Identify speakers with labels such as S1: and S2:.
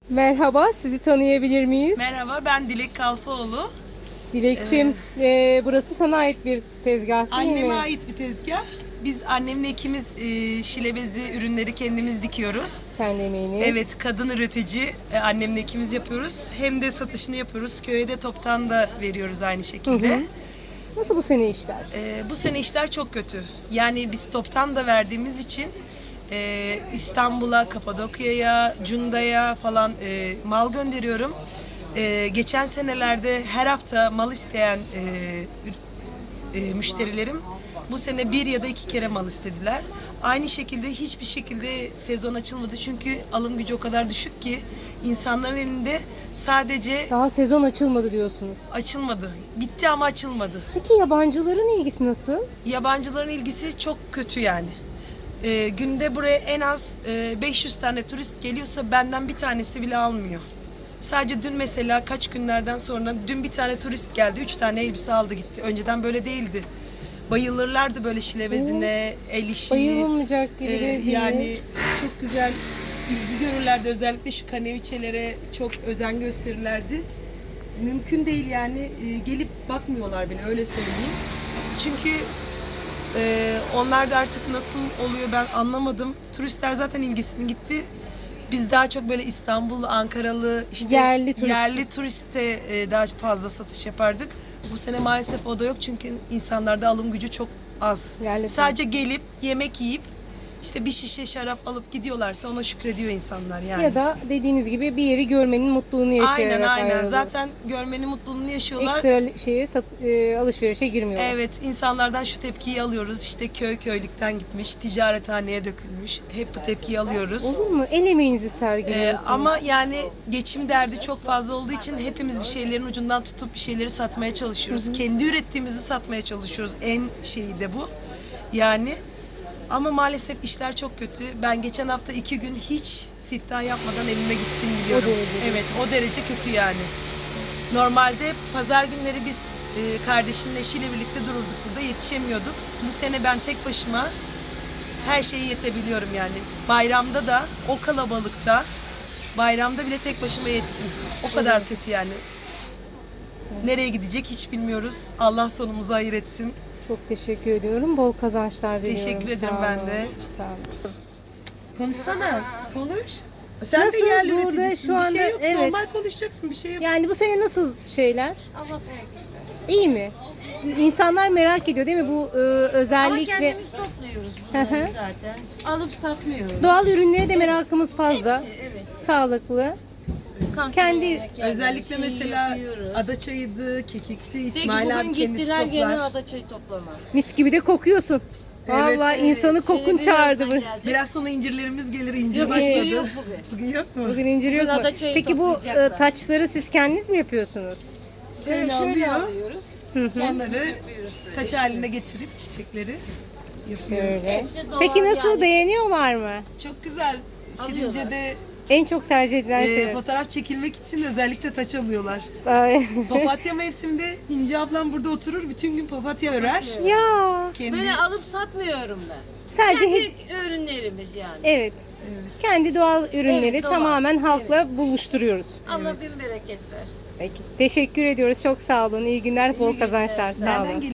S1: Merhaba, sizi tanıyabilir miyiz?
S2: Merhaba, ben Dilek Kalfaoğlu.
S1: Dilekçim, burası sana ait bir tezgah değil mi?
S2: Anneme ait bir tezgah. Biz annemle ikimiz şile bezi ürünleri kendimiz dikiyoruz.
S1: Kendi emeğiniz.
S2: Evet, kadın üretici. Annemle ikimiz yapıyoruz. Hem de satışını yapıyoruz. Köye de toptan da veriyoruz aynı şekilde.
S1: Hı hı. Nasıl bu sene işler?
S2: Bu sene işler çok kötü. Yani biz toptan da verdiğimiz için İstanbul'a, Kapadokya'ya, Cunda'ya falan mal gönderiyorum. Geçen senelerde her hafta mal isteyen müşterilerim bu sene bir ya da iki kere mal istediler. Aynı şekilde hiçbir şekilde sezon açılmadı çünkü alım gücü o kadar düşük ki insanların elinde sadece
S1: Daha sezon açılmadı diyorsunuz.
S2: açılmadı. Bitti ama açılmadı.
S1: Peki yabancıların ilgisi nasıl?
S2: Yabancıların ilgisi çok kötü yani. Günde buraya en az 500 tane turist geliyorsa benden bir tanesi bile almıyor. Sadece dün mesela kaç günlerden sonra dün bir tane turist geldi. 3 tane elbise aldı gitti. Önceden böyle değildi. Bayılırlardı böyle şile bezine, el işi.
S1: Bayılılmayacak gibi de değil.
S2: Yani çok güzel ilgi görürlerdi. Özellikle şu kaneviçelere çok özen gösterirlerdi. Mümkün değil yani gelip bakmıyorlar bile öyle söyleyeyim. Çünkü onlar da artık nasıl oluyor ben anlamadım. Turistler zaten ilgisini gitti. Biz daha çok böyle İstanbullu, Ankaralı, işte
S1: Yerli
S2: turiste daha fazla satış yapardık. Bu sene maalesef o da yok çünkü insanlarda alım gücü çok az.
S1: Yerli
S2: Sadece gelip yemek yiyip işte bir şişe şarap alıp gidiyorlarsa ona şükrediyor insanlar yani.
S1: Ya da dediğiniz gibi bir yeri görmenin mutluluğunu yaşayarak
S2: Aynen.
S1: ayrılıyor.
S2: Zaten görmenin mutluluğunu yaşıyorlar.
S1: Ekstra alışverişe girmiyorlar.
S2: Evet, insanlardan şu tepkiyi alıyoruz. İşte köylükten gitmiş, ticarethaneye dökülmüş. Hep bu tepkiyi alıyoruz.
S1: Olur mu? El emeğinizi sergiliyorsunuz.
S2: Ama yani geçim derdi çok fazla olduğu için hepimiz bir şeylerin ucundan tutup bir şeyleri satmaya çalışıyoruz. Kendi ürettiğimizi satmaya çalışıyoruz. En şeyi de bu. Yani ama maalesef işler çok kötü. Ben geçen hafta 2 gün hiç siftah yapmadan evime gittim biliyorum.
S1: O derece.
S2: Evet, o derece kötü yani. Normalde pazar günleri biz kardeşimle eşiyle birlikte dururduk burada, yetişemiyorduk. Bu sene ben tek başıma her şeyi yetebiliyorum yani. Bayramda da o kalabalıkta, bayramda bile tek başıma yettim. O kadar kötü yani. Nereye gidecek hiç bilmiyoruz. Allah sonumuzu hayır etsin.
S1: Çok teşekkür ediyorum. Bol kazançlar diliyorum.
S2: Teşekkür ederim
S1: Sağ
S2: ben
S1: olun.
S2: de.
S1: Sağ olun.
S2: Konuşsana, konuş. Sen
S1: Nasıl
S2: de yerli
S1: burada
S2: üreticisin.
S1: şu anda-
S2: Bir şey yok,
S1: evet.
S2: normal konuşacaksın, bir şey yok.
S1: Yani bu sene nasıl şeyler?
S3: Allah bereket versin.
S1: İyi mi? İnsanlar merak ediyor değil mi bu
S3: Ama
S1: özellikle
S3: kendimiz topluyoruz
S1: Hı hı.
S3: bunları zaten. Alıp satmıyoruz.
S1: doğal ürünlere de merakımız fazla.
S3: Hepsi, evet.
S1: Sağlıklı.
S3: Kanka
S1: Kendi-
S3: yemekler,
S2: Özellikle
S3: şeyi
S2: mesela
S3: yapıyoruz.
S2: adaçayıydı, kekikti,
S3: Peki
S2: İsmail
S3: bugün
S2: abi kendisi
S3: gittiler gene
S2: toplar.
S3: adaçayı toplama.
S1: Mis gibi de kokuyorsun. Vallahi insanı kokun
S3: Şimdi
S1: çağırdı
S3: birazdan
S1: bu.
S3: gelecek.
S2: Biraz sonra incirlerimiz gelir, incir
S3: Yok,
S2: başladı.
S3: incir yok bugün.
S2: Bugün yok mu?
S1: Bugün incir yok
S3: Bugün
S1: mu?
S3: adaçayı
S1: Peki bu
S3: toplayacaklar.
S1: taçları siz kendiniz mi yapıyorsunuz?
S3: Şöyle
S2: alıyor.
S3: alıyoruz.
S1: Hı hı.
S2: Onları
S3: Yapıyoruz böyle.
S2: taç haline getirip çiçekleri yapıyor.
S1: Şöyle.
S3: Hepsi doğal
S1: Peki nasıl
S3: yani.
S1: beğeniyorlar mı?
S2: Çok güzel.
S3: Alıyorlar.
S2: Şirince'de
S1: En çok tercih edilen şey.
S2: fotoğraf çekilmek için özellikle taç alıyorlar.
S1: Ay.
S2: Papatya mevsiminde İnci ablam burada oturur, bütün gün papatya örer.
S1: Ya
S2: Kendi
S3: Böyle alıp satmıyorum ben.
S1: sadece
S3: Kendi ürünlerimiz yani.
S1: evet. Kendi doğal ürünleri
S3: Evet, doğal.
S1: tamamen halkla buluşturuyoruz.
S3: Allah bin bereket versin.
S1: Peki. Teşekkür ediyoruz. Çok sağ olun. İyi günler, bol
S3: günler,
S1: kazançlar.
S3: sağ
S1: Sağ
S2: nereden
S1: olun.